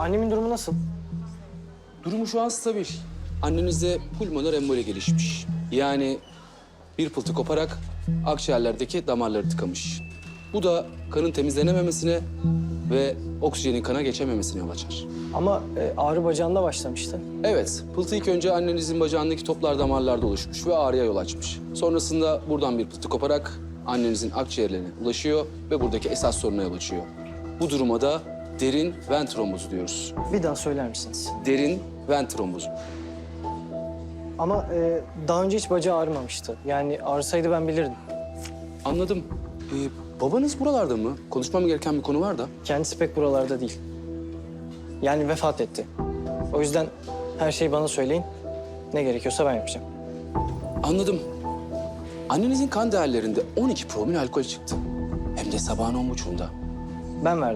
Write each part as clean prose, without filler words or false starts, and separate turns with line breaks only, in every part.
Annemin durumu nasıl?
Durumu şu an stabil. Annenizde pulmoner emboli gelişmiş. Yani bir pıltı koparak akciğerlerdeki damarları tıkamış. Bu da kanın temizlenememesine ve oksijenin kana geçememesine yol açar.
Ama ağrı bacağında başlamıştı.
Evet, pıltı ilk önce annenizin bacağındaki toplar damarlarda oluşmuş ve ağrıya yol açmış. Sonrasında buradan bir pıltı koparak annenizin akciğerlerine ulaşıyor ve buradaki esas soruna yol açıyor. Bu duruma da derin ven trombozu diyoruz.
Bir daha söyler misiniz?
Derin ven trombozu.
Ama daha önce hiç bacağı ağrımamıştı. Yani ağrısaydı ben bilirdim.
Anladım. Babanız buralarda mı? Konuşmam gereken bir konu var da.
Kendisi pek buralarda değil. Yani vefat etti. O yüzden her şeyi bana söyleyin. Ne gerekiyorsa ben yapacağım.
Anladım. Annenizin kan değerlerinde 12 promil alkol çıktı. Hem de sabahın 10.30'unda.
Ben verdim.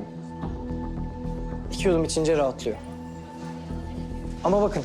2 yudum içince rahatlıyor. Ama bakın,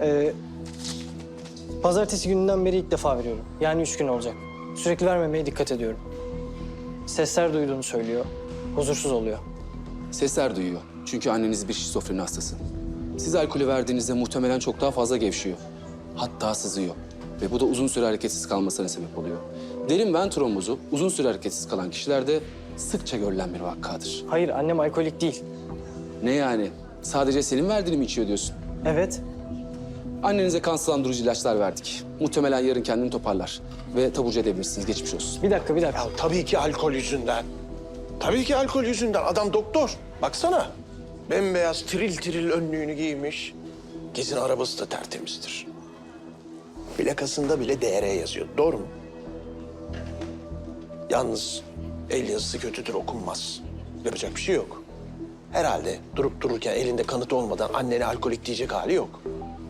pazartesi gününden beri ilk defa veriyorum. Yani 3 gün olacak. Sürekli vermemeye dikkat ediyorum. Sesler duyduğunu söylüyor. Huzursuz oluyor.
Sesler duyuyor. Çünkü anneniz bir şizofreni hastası. Siz alkolü verdiğinizde muhtemelen çok daha fazla gevşiyor. Hatta sızıyor. Ve bu da uzun süre hareketsiz kalmasına sebep oluyor. Derin ven trombozu uzun süre hareketsiz kalan kişilerde sıkça görülen bir vakadır.
Hayır, annem alkolik değil.
Ne yani? Sadece senin verdiğini mi içiyor diyorsun?
Evet.
Annenize kan sulandırıcı ilaçlar verdik. Muhtemelen yarın kendini toparlar. Ve taburcu edebilirsiniz. Geçmiş olsun.
Bir dakika.
Ya tabii ki alkol yüzünden. Tabii ki alkol yüzünden. Adam doktor. Baksana. Bembeyaz tiril tiril önlüğünü giymiş. Gezin arabası da tertemizdir. Plakasında bile DR yazıyor. Doğru mu? Yalnız el yazısı kötüdür, okunmaz. Yapacak bir şey yok. Herhalde durup dururken elinde kanıt olmadan annene alkolik diyecek hali yok.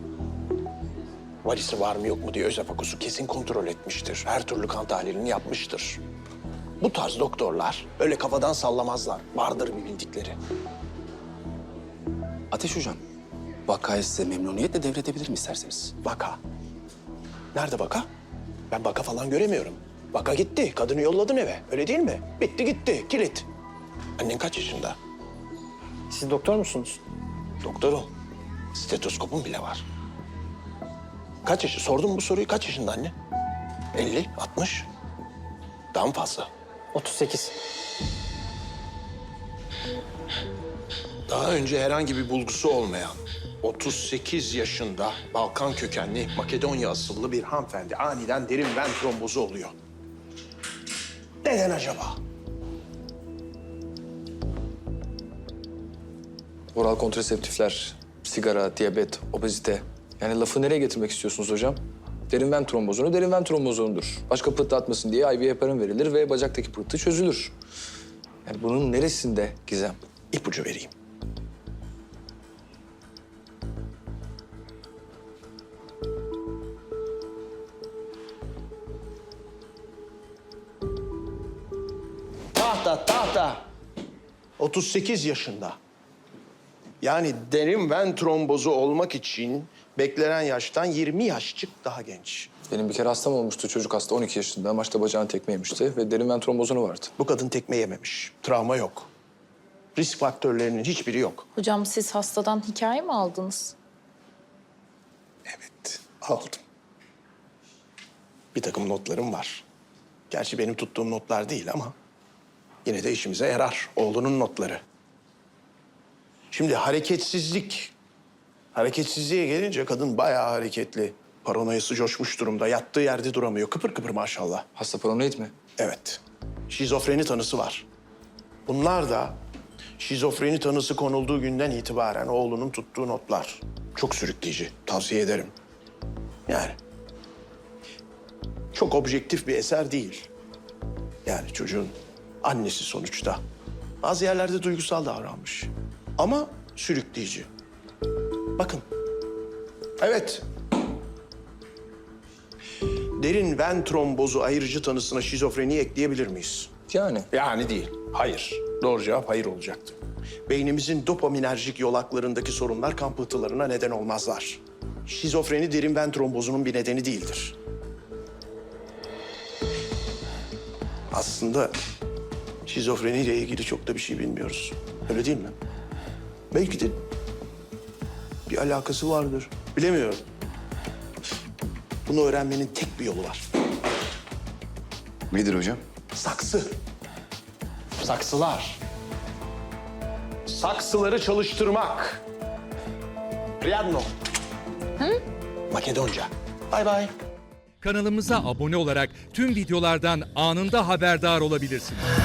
Valisi var mı yok mu diye özefakosu kesin kontrol etmiştir. Her türlü kan tahlilini yapmıştır. Bu tarz doktorlar öyle kafadan sallamazlar. Vardır bir bildikleri.
Ateş Hocam, vakayı size memnuniyetle devredebilirim isterseniz.
Vaka. Nerede vaka? Ben vaka falan göremiyorum. Vaka gitti. Kadını yolladın eve. Öyle değil mi? Bitti gitti. Kilit. Annen kaç yaşında?
Siz doktor musunuz?
Doktorum. Stetoskopum bile var. Kaç yaşı? Sordum bu soruyu. Kaç yaşında anne? 50, 60. Daha mı fazla?
38.
Daha önce herhangi bir bulgusu olmayan 38 yaşında Balkan kökenli Makedonya asıllı bir hanımefendi aniden derin ven trombozu oluyor. Neden acaba?
Oral kontraseptifler, sigara, diyabet, obezite. Yani lafı nereye getirmek istiyorsunuz hocam? Derin ven trombozunu derin ven trombozonudur. Başka pıhtı atmasın diye IV heparin verilir ve bacaktaki pıhtı çözülür. Yani bunun neresinde gizem?
İpucu vereyim. Tahta. 38 yaşında. Yani derin ven trombozu olmak için beklenen yaştan 20 yaşçık daha genç.
Benim bir kere hastam olmuştu, çocuk hasta 12 yaşında. Maçta bacağını tekme yemişti ve derin ven trombozunu vardı.
Bu kadın tekme yememiş. Travma yok. Risk faktörlerinin hiçbiri yok.
Hocam siz hastadan hikaye mi aldınız?
Evet, aldım. Bir takım notlarım var. Gerçi benim tuttuğum notlar değil ama yine de işimize yarar. Oğlunun notları. Şimdi hareketsizlik. Hareketsizliğe gelince kadın bayağı hareketli. Paranoyası coşmuş durumda. Yattığı yerde duramıyor. Kıpır kıpır maşallah.
Hasta paranoid mi?
Evet. Şizofreni tanısı var. Bunlar da şizofreni tanısı konulduğu günden itibaren oğlunun tuttuğu notlar. Çok sürükleyici. Tavsiye ederim. Yani çok objektif bir eser değil. Yani çocuğun annesi sonuçta. Bazı yerlerde duygusal davranmış. Ama sürükleyici. Bakın. Evet. Derin ven trombozu ayrıcı tanısına şizofreni ekleyebilir miyiz?
Yani.
Yani değil. Hayır. Doğru cevap hayır olacaktı. Beynimizin dopaminerjik yolaklarındaki sorunlar kan pıhtılarına neden olmazlar. Şizofreni derin ven trombozunun bir nedeni değildir. Aslında şizofreniyle ilgili çok da bir şey bilmiyoruz. Öyle değil mi? Belki de Bir alakası vardır. Bilemiyorum. Bunu öğrenmenin tek bir yolu var.
Nedir hocam?
Saksı. Saksılar. Saksıları çalıştırmak. Riadno. Makedonca. Bay bay.
Kanalımıza abone olarak tüm videolardan anında haberdar olabilirsiniz.